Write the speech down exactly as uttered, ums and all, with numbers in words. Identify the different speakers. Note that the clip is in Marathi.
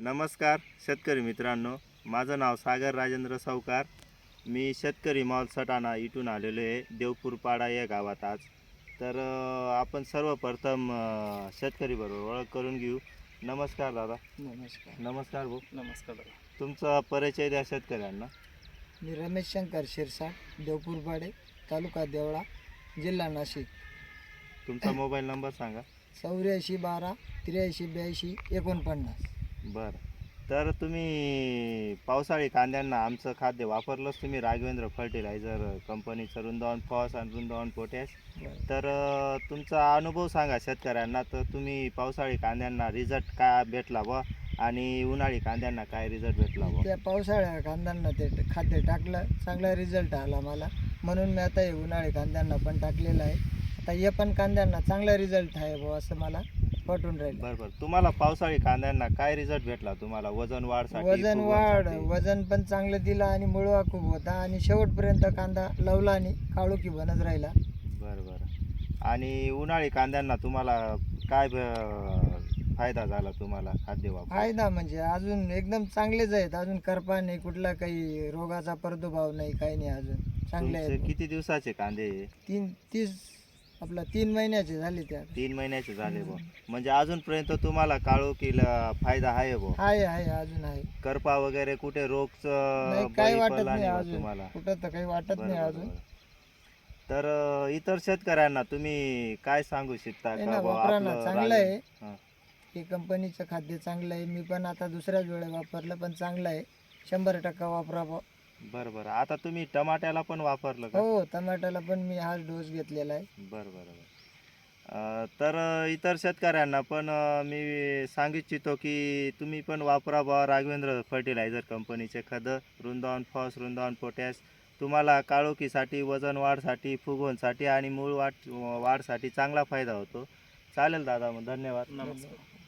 Speaker 1: नमस्कार शेतकरी मित्रांनो, माझं नाव सागर राजेंद्र सावकार. मी शेतकरी मॉल सटाणा इथून आलेलो आहे देवपूरपाडा या गावात आज. तर अ, आपण सर्वप्रथम अ, शेतकरी बरोबर ओळख करून घेऊ. नमस्कार दादा.
Speaker 2: नमस्कार.
Speaker 1: नमस्कार भाऊ.
Speaker 2: नमस्कार दादा.
Speaker 1: तुमचा परिचय द्या शेतकऱ्यांना.
Speaker 2: मी रमेश शंकर शिरसाट, देवपूरपाडे, तालुका देवळा, जिल्हा नाशिक.
Speaker 1: तुमचा मोबाईल नंबर सांगा.
Speaker 2: चौऱ्याऐंशी बारा त्र्याऐंशी ब्याऐंशी एकोणपन्नास.
Speaker 1: बरं, तर तुम्ही पावसाळी कांद्यांना आमचं खाद्य वापरलंच तुम्ही, राघवेंद्र फर्टिलायझर कंपनीचं रुंदावन फॉस आणि रुंदावन पोटॅश. तर अ, तुमचा अनुभव सांगा शेतकऱ्यांना. तर तुम्ही पावसाळी कांद्यांना रिझल्ट काय भेटला बा आणि उन्हाळी कांद्यांना काय रिझल्ट भेटला बा?
Speaker 2: त्या पावसाळ्या कांद्यांना ते खाद्य टाकलं, चांगला रिझल्ट आला मला, म्हणून मी आता हे उन्हाळी कांद्यांना पण टाकलेलं आहे. आता हे पण कांद्यांना चांगला रिझल्ट आहे बुवा असं मला पटून राहिलं.
Speaker 1: बरं बरं, तुम्हाला पावसाळी कांद्यांना काय रिझल्ट भेटला तुम्हाला? वजन वाढसाठी,
Speaker 2: वजन वाढ
Speaker 1: फुगवणसाठी?
Speaker 2: वजन पण चांगलं दिलं आणि मुळवा खूप होता आणि शेवटपर्यंत कांदा लवला आणि काळोखी बनत राहिला.
Speaker 1: बरं बरं. आणि उन्हाळी कांद्यांना तुम्हाला काय ब- फायदा झाला तुम्हाला खाद्य वापर?
Speaker 2: फायदा म्हणजे अजून एकदम चांगलेच आहेत, अजून करपा नाही, कुठला काही रोगाचा प्रादुर्भाव नाही, काही नाही, अजून चांगले
Speaker 1: तुमचे
Speaker 2: आहेत.
Speaker 1: किती दिवसाचे कांदे?
Speaker 2: तीन तीस आपला तीन महिन्याचे झाले त्या.
Speaker 1: तीन महिन्याचे झाले बुवा. म्हणजे अजूनपर्यंत तुम्हाला काळोखीला फायदा आहे बुवा.
Speaker 2: आहे आहे अजून आहे.
Speaker 1: करपा वगैरे कुठे रोगचं
Speaker 2: नाही काही
Speaker 1: बळी
Speaker 2: वाटत
Speaker 1: पडला
Speaker 2: नाही
Speaker 1: नाही बुवा
Speaker 2: अजून,
Speaker 1: तुम्हाला?
Speaker 2: कुठं तर काही वाटत
Speaker 1: बरं
Speaker 2: नाही
Speaker 1: बरं
Speaker 2: अजून.
Speaker 1: बरं. तर अ, इतर शेतकऱ्यांना तुम्ही काय सांगू शकता
Speaker 2: नाही
Speaker 1: का
Speaker 2: ना,
Speaker 1: बुवा
Speaker 2: वापरा ना,
Speaker 1: आपलं
Speaker 2: चांगलं
Speaker 1: राग-
Speaker 2: आहे.
Speaker 1: हां.
Speaker 2: हे कंपनीचं खाद्य चांगलं आहे. मी पण आता दुसऱ्याच वेळेला वापरलं, पण चांगलं आहे. शंभर टक्का वापरावं.
Speaker 1: बरं बरं. आता तुम्ही टमाट्याला पण वापरलं का?
Speaker 2: हो, टमाट्याला पण मी हाच डोस घेतलेला आहे.
Speaker 1: बरं बरं बरं. अ, तर अ, इतर शेतकऱ्यांना पण अ, मी सांगू इच्छितो की तुम्ही पण वापरा बुवा राघवेंद्र फर्टिलायझर कंपनीचे खतं, रुंदावन फॉस, रुंदावन पोटॅश. तुम्हाला काळोखीसाठी, वजन वाढसाठी, फुगवणसाठी आणि मूळ वाढ वाढसाठी चांगला फायदा होतो. चालेल दादा, मग धन्यवाद.
Speaker 2: नमस्कार.